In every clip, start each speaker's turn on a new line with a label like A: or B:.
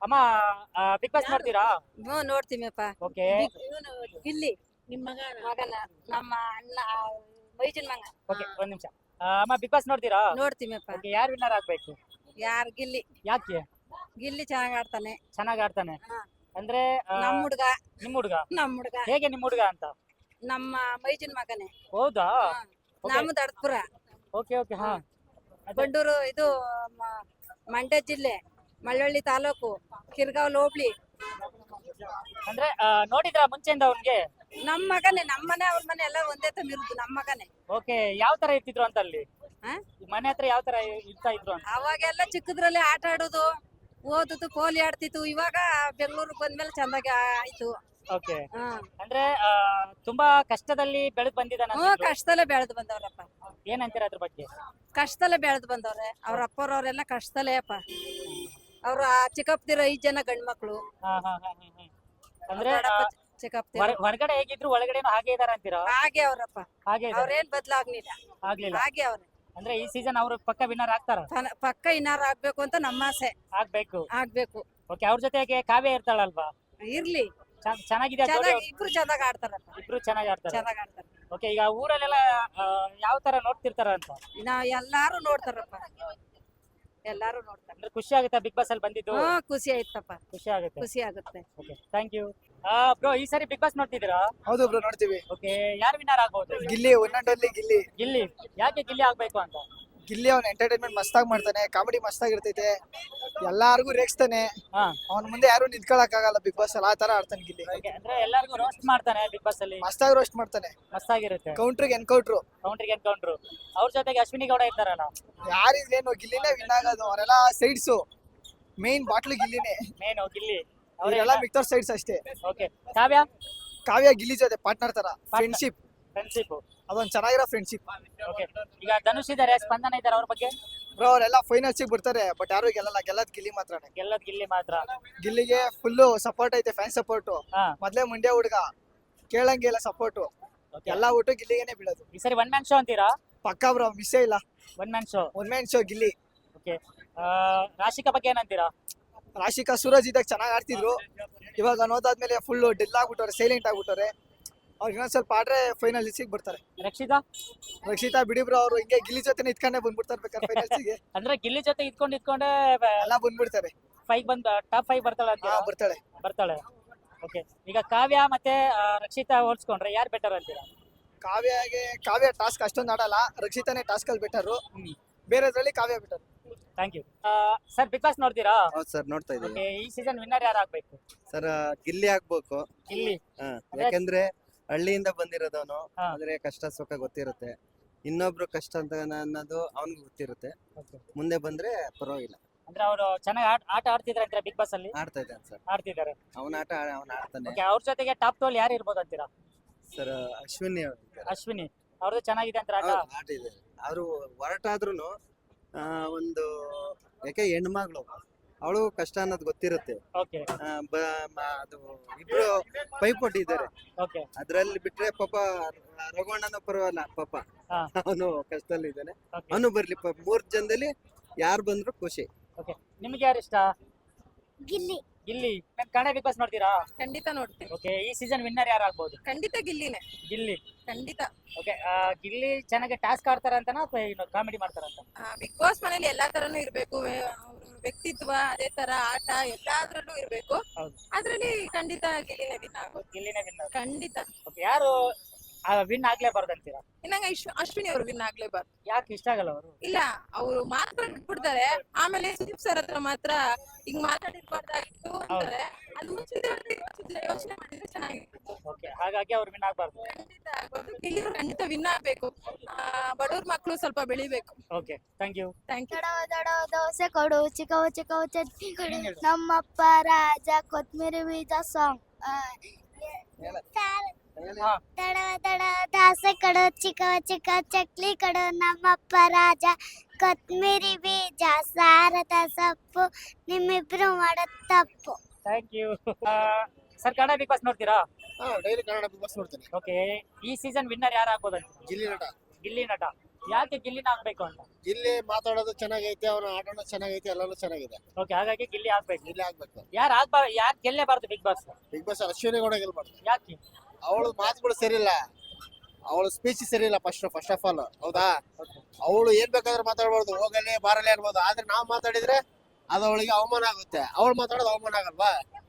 A: ಅಮ್ಮ big Boss ನೋಡ್ತೀರಾ?
B: ನೋಡ್ತೀವಿಪ್ಪ.
A: Okay
B: Gilli ನಿಮ್ಮ ಮಗನ ನಮ್ಮ ಅಣ್ಣ ಮೈಜನ್ ಮಗ.
A: ಓಕೆ ಒಂದ್ ನಿಮಿಷ. ಅಮ್ಮ ಬಿಗ್ ಬಾಸ್ ನೋಡ್ತೀರಾ?
B: ನೋಡ್ತೀವಿಪ್ಪ.
A: ಓಕೆ ಯಾರು ವಿನ್ನರ್ ಆಗ್ಬೇಕು?
B: ಯಾರು ಗಿಲ್ಲಿ?
A: ಯಾಕೆ?
B: ಗಿಲ್ಲಿ ಚೆನ್ನಾಗ್ ಆಡ್ತಾನೆ.
A: ಚೆನ್ನಾಗ್ ಆಡ್ತಾನೆ
B: ಹಾ.
A: ಅಂದ್ರೆ
B: ನಮ್ ಹುಡ್ಗ
A: ನಿಮ್ ಹುಡುಗ
B: ನಮ್ ಹುಡ್ಗ
A: ಹೇಗೆ ನಿಮ್ ಹುಡುಗ ಅಂತ?
B: ನಮ್ಮ ಮೈಜನ್ ಮಗನೇ.
A: ಹೌದಾ?
B: ನಮ್ಮ ದಡ್ಪುರ
A: ಓಕೆ ಓಕೆ ಹಾ
B: ಬಂಡೂರು ಇದು ಮಂಡ್ಯ ಜಿಲ್ಲೆ ಮಳ್ಳವಳ್ಳಿ ತಾಲೂಕು ಕಿರ್ಗಾವ್ ಹೋಬ್ಳಿ.
A: ಅಂದ್ರೆ ನೋಡಿದ್ರ ಮುಂಚೆಯಿಂದ ಅವ್ನ್ಗೆ?
B: ನಮ್ ಮಗನೇ, ನಮ್ ಮನೆ ಅವ್ರ ಮನೆ ಎಲ್ಲ ಒಂದೇ ತಮಿರುದು. ನಮ್ ಮಗನೇ.
A: ಓಕೆ ಯಾವ ತರ ಇರ್ತಿದ್ರು ಅಂತ ಅಲ್ಲಿ
B: ಹಾ?
A: ಮನೆ ಹತ್ರ ಯಾವ ತರ ಇರ್ತಾ ಇದ್ರು ಅಂತ?
B: ಅವಾಗೆಲ್ಲ ಚಿಕ್ಕದ್ರಲ್ಲಿ ಆಟ ಆಡೋದು, ಓದುದು, ಪೋಲಿ ಆಡ್ತಿತ್ತು. ಇವಾಗ ಬೆಂಗಳೂರಿಗೆ ಬಂದ್ಮೇಲೆ ಚಂದಾಗಿ ಆಯ್ತು.
A: ಓಕೆ
B: ಹಾ.
A: ಅಂದ್ರೆ ತುಂಬಾ ಕಷ್ಟದಲ್ಲಿ ಬೆಳೆದ್ ಬಂದಿದ್ದಾನ.
B: ಕಷ್ಟದಲ್ಲೇ ಬೆಳೆದು ಬಂದವ್ರಪ್ಪ.
A: ಏನಂತೀರ ಅದ್ರ ಬಗ್ಗೆ?
B: ಕಷ್ಟದಲ್ಲೇ ಬೆಳೆದು ಬಂದವ್ರೆ. ಅವ್ರ ಅಪ್ಪರವ್ರೆಲ್ಲ ಕಷ್ಟದಲ್ಲೇ ಅಪ್ಪ. ಅವ್ರ ಚಿಕ್ಕಪ್ಪದಿರ 5 ಜನ ಗಂಡ್ ಮಕ್ಳು.
A: ಹಾ ಹಾ ಹಾ ಹಾ ಹಾ. ಅಂದ್ರೆ
B: ಚಿಕ್ಕಪ್ಪದಿರ
A: ಹೊರಗಡೆ ಹೇಗಿದ್ರು ಒಳಗಡೆನೂ ಹಾಗೆ ಇದಾರ ಅಂತೀರಾ?
B: ಹಾಗೆ ಅವ್ರಪ್ಪ.
A: ಹಾಗೆ ಇದಾರೆ.
B: ಅವ್ರೇನ್ ಬದ್ಲಾಗ್ಲಿಲ್ಲ.
A: ಆಗ್ಲಿಲ್ಲ.
B: ಹಾಗೆ ಅವ್ರೆ.
A: ಅಂದ್ರೆ ಈ ಸೀಸನ್ ಅವ್ರು ಪಕ್ಕ ವಿನ್ನರ್ ಆಗ್ತಾರ?
B: ಪಕ್ಕ ಇನ್ನಾರು ಆಗ್ಬೇಕು ಅಂತ ನಮ್ಮ ಆಸೆ.
A: ಆಗ್ಬೇಕು.
B: ಆಗ್ಬೇಕು.
A: ಓಕೆ ಅವ್ರ ಜೊತೆಗೆ ಕಾವ್ಯ ಇರ್ತಾಳಲ್ವಾ?
B: ಇರ್ಲಿ.
A: ಚೆನ್ನಾಗಿದೆ.
B: ಚೆನ್ನಾಗಿ ಇಬ್ರು ಚೆನ್ನಾಗ್ ಆಡ್ತಾರಪ್ಪ.
A: ಇಬ್ರು ಚೆನ್ನಾಗಿ ಆಡ್ತಾರೆ.
B: ಚೆನ್ನಾಗ್ ಆಡ್ತಾರೆ.
A: ಓಕೆ ಈಗ ಊರಲ್ಲೆಲ್ಲ ಯಾವ ತರ ನೋಡ್ತಿರ್ತಾರ ಅಂತ?
B: ನಾವ್ ಎಲ್ಲಾರು ನೋಡ್ತಾರಪ್ಪ. ಎಲ್ಲಾರು ನೋಡ್ತಾರೆ.
A: ಅಂದ್ರೆ ಖುಷಿ ಆಗುತ್ತಾ ಬಿಗ್ ಬಾಸ್ ಅಲ್ಲಿ ಬಂದಿದ್ದು?
B: ಖುಷಿ ಆಯ್ತಪ್ಪ.
A: ಖುಷಿ ಆಗುತ್ತೆ.
B: ಖುಷಿ ಆಗುತ್ತೆ.
A: Okay thank you. ಬ್ರೋ ಈ ಸಾರಿ ಬಿಗ್ ಬಾಸ್ ನೋಡ್ತಿದ್ದೀರಾ?
C: ಹೌದು ಬ್ರೋ ನೋಡ್ತೀವಿ.
A: ಓಕೆ ಯಾರು ವಿನ್ನರ್ ಆಗ್ಬಹುದು?
C: Gilli one and only Gilli.
A: Gilli ಯಾಕೆ ಗಿಲ್ಲಿ ಆಗ್ಬೇಕು ಅಂತ?
C: ಗಿಲ್ಲಿ ಅವ್ನ ಎಂಟರ್ಟೈನ್ಮೆಂಟ್ ಮಸ್ತಾಗಿ ಮಾಡ್ತಾನೆ, ಕಾಮಿಡಿ ಮಸ್ತಾಗಿ ಇರ್ತೈತೆ, ಎಲ್ಲಾರ್ಗು ರೇಗಿಸ್ತಾನೆ.
A: ಹಾ
C: ಅವ್ನ ಮುಂದೆ ಯಾರು ನಿಂತ್ಕೊಳಕ್ ಆಗಲ್ಲ ಬಿಗ್ ಬಾಸ್ ಅಲ್ಲಿ, ಆ ತರ ಆಡ್ತಾನೆ ಗಿಲ್ಲಿ.
A: ಓಕೆ ಅಂದ್ರೆ ಎಲ್ಲರಿಗೂ ರೋಸ್ಟ್ ಮಾಡ್ತಾನೆ ಬಿಗ್ ಬಾಸ್ ಅಲ್ಲಿ.
C: ಮಸ್ತಾಗಿ ರೋಸ್ಟ್ ಮಾಡ್ತಾನೆ.
A: ಮಸ್ತಾಗಿರುತ್ತೆ.
C: ಕೌಂಟ್ರಿಗೆ ಎನ್ಕೌಂಟ್ರು.
A: ಕೌಂಟ್ರಿಗೆ ಎನ್ಕೌಂಟ್ರು. ಅವ್ರ ಜೊತೆಗೆ ಅಶ್ವಿನಿ ಗೌಡ ಇರ್ತಾರಲ್ಲ.
C: ಯಾರಿದ್ರೇನು ಗಿಲ್ಲಿನೇ ವಿನ್ ಆಗೋದು. ಅವರೆಲ್ಲ ಸೈಡ್ಸು, ಮೇನ್ ಬಾಟ್ಲು ಗಿಲ್ಲಿನೇ.
A: ಮೇನು ಗಿಲ್ಲಿ
C: ಅವರೆಲ್ಲ ಮಿಕ್ತವ್ರ ಸೈಡ್ಸ್ ಅಷ್ಟೇ.
A: ಓಕೆ ಕಾವ್ಯ?
C: ಕಾವ್ಯ ಗಿಲ್ಲಿ ಜೊತೆ ಪಾರ್ಟ್ನರ್ ತರ ಫ್ರೆಂಡ್ಶಿಪ್. ಅದೊಂದ್ ಚೆನ್ನಾಗಿರೋ ಫ್ರೆಂಡ್ಶಿಪ್.
A: ಓಕೆ ಈಗ ಧನುಷ್ ಇದಾರೆ, ಸ್ಪಂದನ ಇದಾರೆ, ಅವ್ರ ಬಗ್ಗೆ?
C: ಬ್ರೋ ಅವರೆಲ್ಲ ಫೈನಲ್ಸ್ ಬರ್ತಾರೆ, ಬಟ್ ಯಾರು ಗೆಲ್ಲಲ್ಲ. ಗೆಲ್ಲದ್ ಗಿಲ್ಲಿ ಮಾತ್ರನೇ.
A: ಗೆಲ್ಲದ್ ಗಿಲ್ಲಿ ಮಾತ್ರ.
C: ಗಿಲ್ಲಿಗೆ ಫುಲ್ಲು ಸಪೋರ್ಟ್ ಐತೆ, ಫ್ಯಾನ್ ಸಪೋರ್ಟ್. ಮೊದ್ಲೇ ಮಂಡ್ಯ ಹುಡುಗ, ಕೇಳಂಗಿಲ್ಲ ಸಪೋರ್ಟ್. ಎಲ್ಲಾ ಊಟ ಗಿಲ್ಲಿಗೆನೆ ಬೀಳೋದು.
A: ಈ ಸರಿ ಒನ್ ಮ್ಯಾನ್ ಶೋ ಅಂತೀರಾ?
C: ಪಕ್ಕಾ ಬ್ರೋ, ಮಿಸ್ಸೇ ಇಲ್ಲ.
A: One man show.
C: One man show Gilli.
A: Okay Rashika ಬಗ್ಗೆ ಏನಂತೀರಾ?
C: ರಾಶಿಕಾ ಸೂರಜ್ ಇದ್ದಾಗ ಚೆನ್ನಾಗಿ ಆಡ್ತಿದ್ರು. ಇವಾಗ ನೋದಾದ್ಮೇಲೆ ಫುಲ್ ಡೆಲ್ ಆಗ್ಬಿಟ್ಟವ್ರೆ, ಸೈಲೆಂಟ್ ಆಗ್ಬಿಟ್ಟವ್ರೆ. ಅವ್ರಿಗೆ ಇನ್ನೊಂದ್ ಸ್ವಲ್ಪ ಆಡ್ರೆ ಫೈನಲ್ ಬರ್ತಾರೆ. ರಕ್ಷಿತಾ ಬಿಡಿ ಬ್ರೋ, ಅವ್ರು ಹಿಂಗೆ ಗಿಲ್ಲಿ ಜೊತೆ ಇತ್ಕೊಂಡೆ ಬಂದ್ಬಿಡ್ತಾರೆ ಬೇಕಾದ್ರೆ ಫೈನಲ್ಸ್ಗೆ.
A: ಅಂದ್ರೆ ಗಿಲ್ಲಿ ಜೊತೆ ಇಟ್ಕೊಂಡೆ
C: ಎಲ್ಲ ಬಂದ್ಬಿಡ್ತಾರೆ.
A: ಟಾಪ್ 5 ಬರ್ತಾಳೆ ಅಂತೀರಾ? ಬರ್ತಾಳೆ. ಓಕೆ ಈಗ ಕಾವ್ಯ ಮತ್ತೆ ರಕ್ಷಿತಾ ಹೋಲ್ಸ್ಕೊಂಡ್ರೆ ಯಾರು ಬೆಟರ್ ಅಂತೀರಾ?
C: ಕಾವ್ಯ ಟಾಸ್ಕ್ ಅಷ್ಟೊಂದು ಆಡಲ್ಲ, ರಕ್ಷಿತಾನೇ ಟಾಸ್ಕ್ ಅಲ್ಲಿ ಬೆಟರು. ಬೇರೆದ್ರಲ್ಲಿ Kavya better.
A: Thank you. Sir Bigg Boss ನೋಡ್ತೀರಾ?
D: ಹೌದು ಸರ್, ನೋಡ್ತಾ ಇದ್ದೀವಿ.
A: ಈ ಸೀಸನ್ ವಿನ್ನರ್ ಯಾರು ಆಗ್ಬೇಕು?
D: ಸರ್ ಗಿಲ್ಲಿ ಆಗ್ಬೇಕು.
A: ಗಿಲ್ಲಿ
D: ಯಾಕಂದ್ರೆ ಹಳ್ಳಿಯಿಂದ ಬಂದಿರೋದವನು, ಆದ್ರೆ ಕಷ್ಟ ಸುಖ ಗೊತ್ತಿರುತ್ತೆ. ಇನ್ನೊಬ್ರು ಕಷ್ಟ ಅಂತ ಅನ್ನೋದು ಅವನಿಗೆ ಗೊತ್ತಿರುತ್ತೆ. ಮುಂದೆ ಬಂದ್ರೆ ಪರವಾಗಿಲ್ಲ.
A: ಅಂದ್ರೆ ಅವರು ಚೆನ್ನಾಗಿ ಆಟ ಆಡ್ತಿದ್ದಾರೆ ಅಂತೀರಾ ಬಿಗ್ ಬಾಸ್ ಅಲ್ಲಿ?
D: ಆಡ್ತಾ ಇದ್ದಾನೆ ಸರ್,
A: ಆಡ್ತಿದ್ದಾರೆ.
D: ಅವನ ಆಟ ಅವನ ಆಡ್ತಾನೆ.
A: ಅವ್ರ ಜೊತೆಗೆ ಟಾಪ್ 2 ಯಾರು ಇರ್ಬೋದು ಅಂತೀರಾ?
D: ಸರ್
A: ಅಶ್ವಿನಿ ಅವ್ರದ್ದು ಚೆನ್ನಾಗಿದೆ ಅಂತ
D: ಆಟ ಇದೆ. ಅವರು ಹೊರಟಾದ್ರೂ ಒಂದು, ಯಾಕೆ ಹೆಣ್ಮಗಳು, ಅವಳು ಕಷ್ಟ ಅನ್ನೋದು ಗೊತ್ತಿರುತ್ತೆ. ಅದು ಇಬ್ರು ಪೈಪೋಟಿ ಇದ್ದಾರೆ. ಅದ್ರಲ್ಲಿ ಬಿಟ್ರೆ ಪಾಪ ರಘುವಣ್ಣನ ಪರವಾಗಿಲ್ಲ, ಪಾಪ ಅವನು ಕಷ್ಟದಲ್ಲಿ ಇದ್ದಾನೆ. ಅವನು ಬರ್ಲಿ, 3 ಜನದಲ್ಲಿ ಯಾರು ಬಂದ್ರು ಖುಷಿ.
A: ನಿಮ್ಗೆ ಯಾರು ಇಷ್ಟ? ಗಿಲ್ಲಿ. ಕನ್ನಡ ಬಿಗ್ ಬಾಸ್ ನೋಡ್ತೀರಾ?
B: ಖಂಡಿತ ನೋಡ್ತೀವಿ.
A: ಓಕೆ ಈ ಸೀಸನ್ ವಿನ್ನರ್ ಯಾರು ಆಗ್ಬಹುದು?
B: ಖಂಡಿತ ಗಿಲ್ಲಿನೇ.
A: ಗಿಲ್ಲಿ
B: ಖಂಡಿತ.
A: ಓಕೆ ಗಿಲ್ಲಿ ಚೆನ್ನಾಗಿ ಟಾಸ್ಕ್ ಆಡ್ತಾರ ಅಂತನಾ ಅಥವಾ ಕಾಮಿಡಿ ಮಾಡ್ತಾರಂತ?
B: ಬಿಗ್ ಬಾಸ್ ಮನೇಲಿ ಎಲ್ಲಾ ತರನು ಇರ್ಬೇಕು. ವ್ಯಕ್ತಿತ್ವ, ಅದೇ ತರ ಆಟ ಎಲ್ಲಾದ್ರಲ್ಲೂ ಇರ್ಬೇಕು. ಅದ್ರಲ್ಲಿ ಖಂಡಿತ ಗಿಲ್ಲಿನೇ ವಿನ್ ಆಗೋದು.
A: ಗಿಲ್ಲಿನೇ ವಿನ್ನರ್
B: ಖಂಡಿತ.
A: ಓಕೆ ಯಾರು ವಿನ್ ಆಗ್ಲೇಬಾರ್ದು ಅಂತೀರಾ?
B: ನಂಗೆ ಅಶ್ವಿನಿ ಅವರು ವಿನ್ ಆಗ್ಲೇಬಾರ್ದು.
A: ಯಾಕೆ ಇಷ್ಟ ಆಗಲ್ಲ ಅವರು?
B: ಇಲ್ಲ, ಅವರು ಮಾತಾಡ್ಬಿಡ್ತಾರೆ, ಆಮೇಲೆ ಸುದೀಪ್ ಸರ್ ಹತ್ರ ಮಾತ್ರ ಹಿಂಗ್ ಮಾತಾಡಿರ್ಬಾರ್ದಾಗಿತ್ತು ಅಂತಾರೆ. ಅದು ಯೋಚನೆ ಮಾಡಿದ್ರೆ ಚೆನ್ನಾಗಿತ್ತು.
A: ಓಕೆ ಹಾಗಾಗಿ ಅವ್ರು ವಿನ್ ಆಗ್ಬಾರ್ದು.
B: ಖಂಡಿತ ಆಗ್ಬಾರ್ದು. ಗಿಲ್ಲಿ ಖಂಡಿತ ವಿನ್ ಆಗ್ಬೇಕು. ಬಡವ್ರ ಮಕ್ಕಳು ಸ್ವಲ್ಪ ಬೆಳಿಬೇಕು.
A: Okay thank you.
E: ದೊಡ್ಡ ದೋಸೆ ಕೊಡು, ಚಿಕ್ಕವು ಚಿಕ್ಕವು ಚಟ್ನಿ ಕೊಡು, ನಮ್ಮಪ್ಪ ರಾಜ ಕೊತ್ಮಿರಿ ಬೀಜ ಸಾಂಗ್. ದಡ ದಾಸೆ ಕೊಡು, ಚಿಕ್ಕ ಚಕ್ಲಿ ಕೊಡು, ನಮ್ಮಪ್ಪ ರಾಜ ಕೊತ್ಮಿರಿ ಬೀಜ ಸಾರದ ಸೊಪ್ಪು, ನಿಮ್ಮಿಬ್ರು ಮಾಡೋ ತಪ್ಪು.
A: Thank you. Sir Kannada Bigg Boss ನೋಡ್ತೀರಾ?
C: ಡೈಲಿ ಕನ್ನಡ ಬಿಗ್ ಬಾಸ್ ನೋಡ್ತೀನಿ.
A: ಓಕೆ ಈ ಸೀಸನ್ ವಿನ್ನರ್ ಯಾರು ಆಗ್ಬೋದು?
C: ಗಿಲ್ಲಿ ನಟ.
A: ಗಿಲ್ಲಿ ನಟ ಯಾಕೆ ಗಿಲ್ಲಿನ ಆಗ್ಬೇಕು ಅಂತ?
F: ಇಲ್ಲಿ ಮಾತಾಡೋದು ಚೆನ್ನಾಗೈತೆ, ಅವನ ಆಟನೂ ಚೆನ್ನಾಗೈತೆ, ಎಲ್ಲಾನು ಚೆನ್ನಾಗಿದೆ.
A: ಓಕೆ, ಹಾಗಾಗಿ ಗಿಲ್ಲಿ ಆಗ್ಬೇಕು.
F: ಇಲ್ಲಿ ಆಗ್ಬೇಕು.
A: ಯಾರು ಗೆಲ್ಲೇಬಾರ್ದು Bigg Boss?
F: Bigg Boss Ashwini Gowda ಗೆಲ್ಬಾರ್ದು.
A: ಯಾಕೆ?
F: ಅವಳು ಮಾತುಗಳು ಸರಿ ಇಲ್ಲ, ಅವಳು ಸ್ಪೀಚ್ ಸರಿ ಇಲ್ಲ. ಫಸ್ಟ್ ಆಫ್ ಆಲ್ ಹೌದಾ, ಅವಳು ಏನ್ ಬೇಕಾದ್ರೆ ಮಾತಾಡ್ಬಾರ್ದು, ಹೋಗಲಿ ಬಾರಲಿ ಅನ್ಬೋದು. ಆದ್ರೆ ನಾವ್ ಮಾತಾಡಿದ್ರೆ ಅದು ಅವಳಿಗೆ ಅವಮಾನ ಆಗುತ್ತೆ. ಅವಳು ಮಾತಾಡೋದು ಅವಮಾನ ಆಗಲ್ವಾ?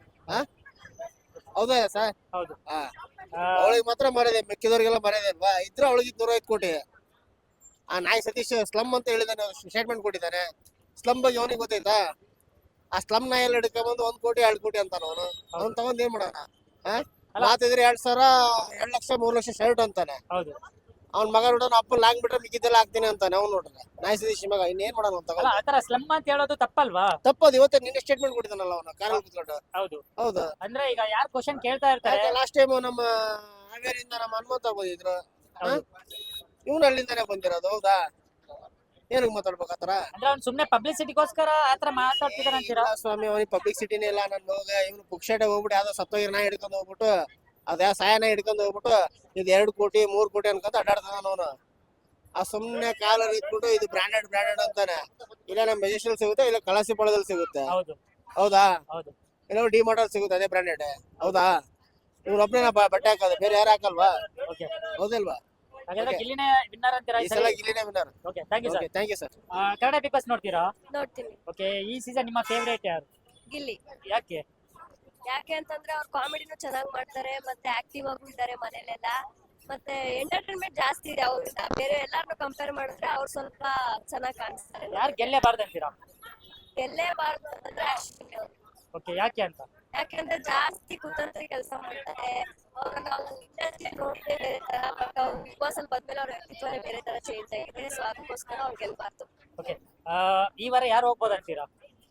F: ಹೌದಾ ಸರ್?
A: ಹೌದು.
F: ಅವಳಿಗೆ ಮಾತ್ರ ಮರ್ಯಾದೆ, ಮಿಕ್ಕಿದವ್ರಿಗೆಲ್ಲ ಮರ್ಯಾದೆ ಅಲ್ವಾ? ಇದ್ರೆ ಅವಳಿಗೆ 205 ಕೋಟಿ. ಆ ನಾಯಿ ಸತೀಶ್ ಸ್ಲಮ್ ಅಂತ ಹೇಳಿದಾನೆ, ಸ್ಟೇಟ್ಮೆಂಟ್ ಕೊಟ್ಟಿದ್ದಾನೆ. ಸ್ಲಮ್ ಬಗ್ಗೆ ಅವನಿಗೆ ಗೊತ್ತೈತಾ? ಆ ಸ್ಲಮ್ ನಾಯಿ ಎಲ್ಲ ಹಿಡ್ಕೊಂಡ್ಬಂದು 1 ಕೋಟಿ 2 ಕೋಟಿ ಅಂತಾನ ಅವನು. ಅವ್ನು ತಗೊಂಡ್ ಏನ್ ಮಾಡೋಣ? ಮಾತಿದ್ರೆ 2,000 2 ಲಕ್ಷ 3 ಲಕ್ಷ ಶರ್ಟ್ ಅಂತಾನೆ.
A: ಹೌದು.
F: ಅವ್ನ ಮಗ ನೋಡೋಣ ಅಪ್ಪ ಲಾಂಗ್ ಬಿಟ್ರೆ ಮಿಕ್ಕಿದ್ದೆಲ್ಲ ಹಾಕ್ತೀನಿ ಅಂತಾನೆ. ಅವ್ನು ನೋಡ್ರೆ ನಾಯಿ ಸತೀಶ್ ಮಗ ಇನ್ನೇನ್ ಮಾಡೋಣ ಅಂತ.
A: ಅಲ್ಲ, ಆತರ ಸ್ಲಮ್ ಅಂತ ಹೇಳೋದು ತಪ್ಪಲ್ವಾ?
F: ತಪ್ಪದು. ಇವತ್ತೇ ನಿನ್ನೆ ಸ್ಟೇಟ್ಮೆಂಟ್ ಕೊಟ್ಟಿದ್ದಾನಲ್ಲ ಅವನು ಕಾರಲ್ಲಿ ಕೂತ್ಕೊಂಡು.
A: ಹೌದು.
F: ಹೌದಾ?
A: ಅಂದ್ರೆ ಈಗ ಯಾರು ಕ್ವಶನ್ ಕೇಳ್ತಾ ಇರ್ತಾರೆ,
F: ಲಾಸ್ಟ್ ಟೈಮ್ ನಮ್ಮ ಹಾವೇರಿಯಿಂದ ನಮ್ಮ ಹನುಮಂತ ಬಂದಿದ್ರು. ಇವನು ಅಲ್ಲಿಂದಾನೆ ಬಂದಿರೋದು. ಹೌದಾ? ಏನಕ್ಕೆ ಮಾತಾಡ್ಬೇಕು ಆತರ?
A: ಅಂದ್ರೆ ಅವ್ನು ಸುಮ್ನೆ ಪಬ್ಲಿಸಿಟಿಗೋಸ್ಕರ ಆತರ ಮಾತಾಡ್ತಿದಾರೆ ಅಂತೀರಾ?
F: ಇಲ್ಲ ಸ್ವಾಮಿ, ಅವನಿಗೆ ಪಬ್ಲಿಕ್ ಸಿಟಿನೇ ಇಲ್ಲ. ನಾನು ಹೋಗ ಇವನು ಪುಕ್ಷಟೆ ಹೋಗ್ಬಿಟ್ಟು ಯಾವ್ದೋ ಸತ್ತೋಗಿನ ಹಿಡ್ಕೊಂಡು ಹೋಗ್ಬಿಟ್ಟು, ಅದ್ಯಾ ಸಾಯನ ಹಿಡ್ಕೊಂಡು ಹೋಗ್ಬಿಟ್ಟು ಇದು 2 ಕೋಟಿ 3 ಕೋಟಿ ಅನ್ಕೊಂತ ಅಡ್ಡಾಡ್ತಾನ ಅವನು. ಆ ಸುಮ್ನೆ ಕಾಲಲ್ಲಿ ಇಟ್ಬಿಟ್ಟು ಇದು ಬ್ರಾಂಡೆಡ್ ಅಂತಾನೆ. ಇಲ್ಲ ನಮ್ಮ ಮೆಜೆಸ್ಟಲ್ ಸಿಗುತ್ತೆ, ಇಲ್ಲ ಕಳಸಿಪಾಳದಲ್ಲಿ ಸಿಗುತ್ತೆ.
A: ಹೌದು.
F: ಹೌದಾ?
A: ಹೌದು.
F: ಇಲ್ಲ ಡಿ ಮಾರ್ಟಲ್ಲಿ ಸಿಗುತ್ತೆ, ಅದೇ ಬ್ರಾಂಡೆಡ್. ಹೌದಾ? ಇವ್ರೊಬ್ಬನೇ ಬಟ್ಟೆ ಹಾಕೋದು, ಬೇರೆ ಯಾರು ಹಾಕಲ್ವಾ?
A: ಓಕೆ.
F: ಹೌದಲ್ವಾ?
A: ಹಾಗಾದ್ರೆ ಗಿಲ್ಲಿನೇ ವಿನ್ನರ್ ಅಂತೀರಾ
F: ಈ ಸಲ ಗಿಲ್ಲಿನೇ winner.
A: Okay, thank you sir.
F: Thank you sir.
A: Kannada Bigg Boss ನೋಡ್ತೀರಾ?
B: ನೋಡ್ತೀನಿ.
A: ಓಕೆ, ಈ ಸೀಸನ್ ನಿಮ್ಮ ಫೇವರೇಟ್ ಯಾರು?
B: ಗಿಲ್ಲಿ.
A: ಯಾಕೆ?
B: ಯಾಕೆ ಅಂತಂದ್ರೆ ಅವ್ರ ಕಾಮಿಡಿನೂ ಚೆನ್ನಾಗಿ ಮಾಡ್ತಾರೆ, ಮತ್ತೆ ಆಕ್ಟಿವ್ ಆಗೂ ಇದ್ದಾರೆ ಮನೇಲೆಲ್ಲ, ಮತ್ತೆ ಎಂಟರ್ಟೈನ್ಮೆಂಟ್ ಜಾಸ್ತಿ ಇದೆ ಅವ್ರಿಂದ. ಬೇರೆ ಎಲ್ಲಾರನ್ನು ಕಂಪೇರ್ ಮಾಡಿದ್ರೆ ಅವ್ರು ಸ್ವಲ್ಪ ಚೆನ್ನಾಗಿ ಕಾಣಿಸ್ತಾರೆ.
A: ಯಾರು ಗೆಲ್ಲೇಬಾರ್ದು ಅಂತೀರಾ?
B: ಗೆಲ್ಲೇಬಾರ್ದು ಅಂತಂದ್ರೆ ಅಶ್ವಿನಿ ಅವ್ರು.
A: ಓಕೆ, ಯಾಕೆ ಅಂತ?
B: ಯಾಕೆಂದ್ರೆ ಜಾಸ್ತಿ ಕುತಂತ್ರಿ ಕೆಲಸ ಮಾಡ್ತಾರೆ. ಅವ್ರನ್ನ ನಾವು ಇಂಡಸ್ಟ್ರಿ ನೋಡಿದ್ರೆ ಬೇರೆ ತರ, ಬಟ್ ಅವ್ರು ಬಿಗ್ ಬಾಸ್ ಅಲ್ಲಿ ಬಂದ್ಮೇಲೆ ಅವ್ರ ವ್ಯಕ್ತಿತ್ವನೇ ಬೇರೆ ತರ ಚೇಂಜ್ ಆಗಿದೆ. ಸೊ ಅದಕ್ಕೋಸ್ಕರ ಅವ್ರು ಗೆಲ್ಬಾರ್ದು.
A: ಓಕೆ, ಈ ವಾರ ಯಾರು ಹೋಗ್ಬೋದು ಅಂತೀರಾ?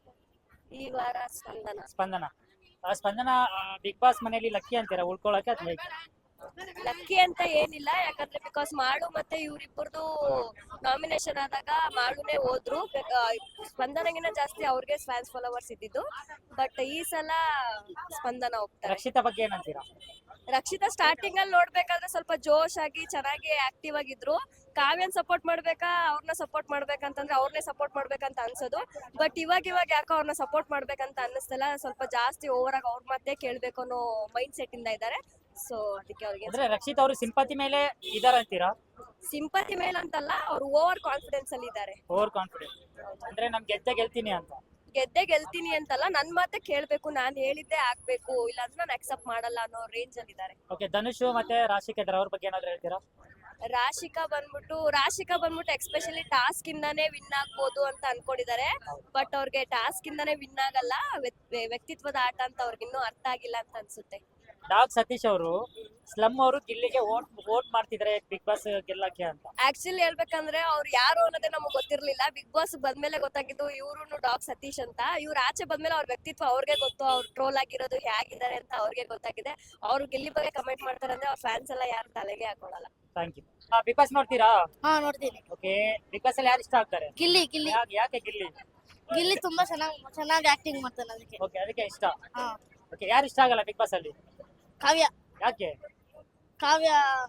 B: ಈ ವಾರ ಸ್ಪಂದನ.
A: ಸ್ಪಂದನ ಬಿಗ್ ಬಾಸ್ ಮನೆಯಲ್ಲಿ ಲಕ್ಕಿ ಅಂತೀರಾ ಉಳ್ಕೊಳಕ್ಕೆ, ಅಥವಾ ಹೇಗೆ?
B: ಲಕ್ಕಿ ಅಂತ ಏನಿಲ್ಲ, ಯಾಕಂದ್ರೆ ಬಿಕಾಸ್ ಮಾಡು ಮತ್ತೆ ಇವ್ರಿಬ್ಬರದು ನಾಮಿನೇಷನ್ ಆದಾಗ ಮಾಡುನೇ ಹೋದ್ರು. ಸ್ಪಂದನಗಿನ ಜಾಸ್ತಿ ಅವ್ರಿಗೆ ಫ್ಯಾನ್ಸ್ ಫಾಲೋವರ್ಸ್ ಇದ್ದಿದ್ದು. ಬಟ್ ಈ ಸಲ ಸ್ಪಂದನ ಹೋಗ್ತಾರೆ.
A: ರಕ್ಷಿತಾ ಬಗ್ಗೆ ಏನಂತೀರಾ?
B: ರಕ್ಷಿತಾ ಸ್ಟಾರ್ಟಿಂಗ್ ಅಲ್ಲಿ ನೋಡ್ಬೇಕಾದ್ರೆ ಸ್ವಲ್ಪ ಜೋಶ್ ಆಗಿ ಚೆನ್ನಾಗಿ ಆಕ್ಟಿವ್ ಆಗಿದ್ರು. ಕಾವ್ಯನ್ ಸಪೋರ್ಟ್ ಮಾಡ್ಬೇಕಾ ಅವ್ರನ್ನ ಸಪೋರ್ಟ್ ಮಾಡ್ಬೇಕಂತಂದ್ರೆ ಅವ್ರನ್ನೇ ಸಪೋರ್ಟ್ ಮಾಡ್ಬೇಕಂತ ಅನ್ಸೋದು. ಬಟ್ ಇವಾಗ ಯಾಕೋ ಅವ್ರನ್ನ ಸಪೋರ್ಟ್ ಮಾಡ್ಬೇಕಂತ ಅನ್ನಿಸ್ತಲ್ಲ. ಸ್ವಲ್ಪ ಜಾಸ್ತಿ ಓವರ್ ಆಗಿ ಅವ್ರ ಮತ್ತೆ ಕೇಳ್ಬೇಕು ಅನ್ನೋ ಮೈಂಡ್ ಸೆಟ್ ಇಂದ ಇದ್ದಾರೆ. ಸೊ ಅದಕ್ಕೆ ಅವ್ರಿಗೆ
A: ಅಂದ್ರೆ ರಕ್ಷಿತ್ ಅವರು ಸಿಂಪತಿ ಮೇಲೆ ಇದಾರ ಅಂತೀರಾ?
B: ಸಿಂಪತಿ ಮೇಲೆ ಅಂತಲ್ಲ, ಅವ್ರು ಓವರ್ ಕಾನ್ಫಿಡೆನ್ಸ್ ಅಲ್ಲಿ ಇದ್ದಾರೆ.
A: ಓವರ್ ಕಾನ್ಫಿಡೆಂಟ್ ಅಂದ್ರೆ ನಮ್ ಗೆಲ್ತೀನಿ ಅಂತ.
B: ಗೆದ್ದೆ ಗೆಲ್ತೀನಿ ಅಂತಲ್ಲ, ನನ್ ಮಾತೆ ಕೇಳ್ಬೇಕು, ನಾನ್ ಹೇಳಿದ್ದೆ ಆಗ್ಬೇಕು, ಇಲ್ಲಾಂದ್ರೆ ನಾನು ಅಕ್ಸೆಪ್ಟ್ ಮಾಡಲ್ಲ ಅನ್ನೋ ರೇಂಜ್ ಅಲ್ಲಿ ಇದ್ದಾರೆ.
A: ಓಕೆ, ಧನುಷ್ ಮತ್ತೆ ರಾಶಿಕಾ ಇದಾರೆ, ಅವ್ರ ಬಗ್ಗೆ ಏನಾದ್ರು ಹೇಳ್ತೀರಾ?
B: ರಾಶಿಕಾ ಬಂದ್ಬಿಟ್ಟು ಎಕ್ಸ್ಪೆಷಲಿ ಟಾಸ್ಕ್ ಇಂದಾನೇ ವಿನ್ ಆಗ್ಬೋದು ಅಂತ ಅನ್ಕೊಂಡಿದ್ದಾರೆ. ಬಟ್ ಅವ್ರಿಗೆ ಟಾಸ್ಕ್ ಇಂದಾನೇ ವಿನ್ ಆಗಲ್ಲ, ವ್ಯಕ್ತಿತ್ವದ ಆಟ ಅಂತ ಅವ್ರಿಗೆ ಇನ್ನೂ ಅರ್ಥ ಆಗಿಲ್ಲ ಅಂತ ಅನ್ಸುತ್ತೆ.
A: ಡಾಗ್ ಸತೀಶ್ ಅವರು ಸ್ಲಮ್ ಅವರು ಗಿಲ್ಲಿಗೆ ವೋಟ್ ಮಾಡ್ತಿದ್ದಾರೆ ಬಿಗ್ ಬಾಸ್ ಗೆಲ್ಲಕ್ಕೆ ಅಂತ.
B: ಆಕ್ಚುಲಿ ಹೇಳ್ಬೇಕಂದ್ರೆ ಅವ್ರು ಯಾರು ಅನ್ನೋದೇ ನಮಗ್ ಗೊತ್ತಿರ್ಲಿಲ್ಲ. ಬಿಗ್ ಬಾಸ್ ಬಂದ್ಮೇಲೆ ಗೊತ್ತಾಗಿದ್ದು ಇವ್ರು ಡಾಗ್ ಸತೀಶ್ ಅಂತ. ಇವ್ರು ಆಚೆ ಬಂದ್ಮೇಲೆ ಅವ್ರ ವ್ಯಕ್ತಿತ್ವ ಅವ್ರಿಗೆ ಗೊತ್ತು, ಅವ್ರು ಟ್ರೋಲ್ ಆಗಿರೋದು ಹೇಗಿದ್ದಾರೆ ಅಂತ ಅವ್ರಿಗೆ ಗೊತ್ತಾಗಿದೆ. ಅವ್ರು ಗಿಲ್ಲಿ ಬಗ್ಗೆ ಕಮೆಂಟ್ ಮಾಡ್ತಾರೆ ಅಂದ್ರೆ ಅವ್ರ ಫ್ಯಾನ್ಸ್ ಎಲ್ಲ ಯಾರು ತಲೆಗೆ ಹಾಕೊಳ್ಳಲ್ಲ.
A: Thank you. ಬಿಗ್ ಬಾಸ್ ನೋಡ್ತೀರಾ?
E: ಹಾ, ನೋಡ್ತೀನಿ.
A: ಓಕೆ, ಬಿಗ್ ಬಾಸ್ ಅಲ್ಲಿ ಯಾರು ಇಷ್ಟ ಆಗ್ತಾರೆ?
E: ಗಿಲ್ಲಿ
A: ಯಾಕೆ ಗಿಲ್ಲಿ?
E: ಗಿಲ್ಲಿ ತುಂಬಾ ಚೆನ್ನಾಗಿ ಆಕ್ಟಿಂಗ್ ಮಾಡ್ತಾನೆ, ಅದಕ್ಕೆ.
A: ಓಕೆ, ಅದಕ್ಕೆ ಇಷ್ಟ.
E: ಹಾ.
A: ಓಕೆ, ಯಾರು ಇಷ್ಟ ಆಗಲ್ಲ ಬಿಗ್ ಬಾಸ್ ಅಲ್ಲಿ?
E: ಕಾವ್ಯ.
A: ಯಾಕೆ?
E: ಕಾವ್ಯ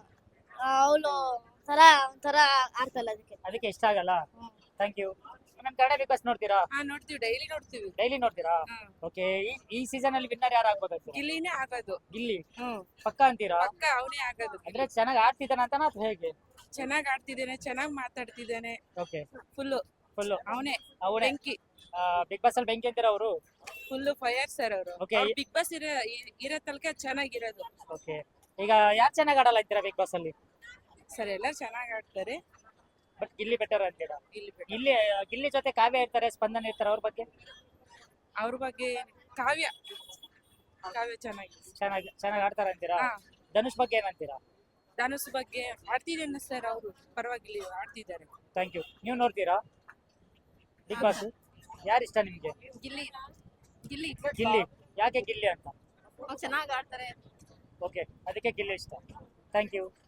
E: ಅವಳು ಒಂಥರ ಆಡ್ತಲ್ಲ,
A: ಅದಕ್ಕೆ ಇಷ್ಟ ಆಗಲ್ಲ. Thank you. ನಮ್ ಕನ್ನಡ ಬಿಗ್ ಬಾಸ್ ನೋಡ್ತೀರಾ?
B: ನೋಡ್ತೀವಿ, ಡೈಲಿ ನೋಡ್ತೀವಿ.
A: ಡೈಲಿ ನೋಡ್ತೀರಾ? ಓಕೆ, ಈ ಸೀಸನ್ ಅಲ್ಲಿ ವಿನ್ನರ್ ಯಾರು ಆಗ್ಬೋದು?
B: ಗಿಲ್ಲಿನೇ ಆಗೋದು.
A: ಗಿಲ್ಲಿ ಪಕ್ಕ ಅಂತೀರಾ?
B: ಅವನೇ ಆಗೋದು.
A: ಅಂದ್ರೆ ಚೆನ್ನಾಗಿ ಆಡ್ತಿದ್ದಾನ ಅಂತನಾ ಅಥವಾ ಹೇಗೆ?
B: ಚೆನ್ನಾಗಿ ಆಡ್ತಿದ್ದಾನೆ, ಚೆನ್ನಾಗಿ ಮಾತಾಡ್ತಿದ್ದಾನೆ.
A: ಓಕೆ,
B: ಫುಲ್ಲು
A: ಅವನೇ
B: ಬೆಂಕಿ.
A: ಬಿಗ್ ಬಾಸ್ ಅಲ್ಲಿ ಬೆಂಕಿ ಅಂತೀರಾ ಅವರು?
B: ಫುಲ್ಲು ಫೈರ್ ಸರ್ ಅವರು.
A: Okay.
B: ಬಿಗ್ ಬಾಸ್ ಇರೋ ತನಕ ಚೆನ್ನಾಗಿರೋದು.
A: ಓಕೆ, ಈಗ ಯಾರು ಚೆನ್ನಾಗಿ ಆಡಲ್ಲ ಅಂತೀರಾ ಬಿಗ್ ಬಾಸ್ ಅಲ್ಲಿ?
B: ಸರ್ ಎಲ್ಲ ಚೆನ್ನಾಗಿ ಆಡ್ತಾರೆ,
A: ಬಟ್ ಗಿಲ್ಲಿ ಬೆಟರ್ ಅಂತೀರಾ?
B: ಗಿಲ್ಲಿ
A: ಗಿಲ್ಲಿ ಜೊತೆ ಕಾವ್ಯ ಇರ್ತಾರೆ, ಸ್ಪಂದನ ಇರ್ತಾರೆ, ಅವ್ರ ಬಗ್ಗೆ
B: ಕಾವ್ಯ
A: ಚೆನ್ನಾಗಿ ಆಡ್ತಾರ ಅಂತೀರಾ? ಧನುಷ್ ಬಗ್ಗೆ ಏನಂತೀರಾ?
B: ಧನುಷ್ ಬಗ್ಗೆ ಆಡ್ತಿದ್ದೇನೆ ಸರ್, ಅವರು ಪರವಾಗಿಲ್ಲ ಆಡ್ತಿದ್ದಾರೆ.
A: Thank you. ನೀವು ನೋಡ್ತೀರಾ ಬಿಗ್ ಬಾಸ್? ಯಾರು ಇಷ್ಟ ನಿಮ್ಗೆ?
B: ಗಿಲ್ಲಿ
A: ಯಾಕೆ ಗಿಲ್ಲಿ ಅಂತ?
B: ಚೆನ್ನಾಗಿ ಆಡ್ತಾರೆ.
A: ಓಕೆ, ಅದಕ್ಕೆ ಗಿಲ್ಲಿ ಇಷ್ಟ. Thank you.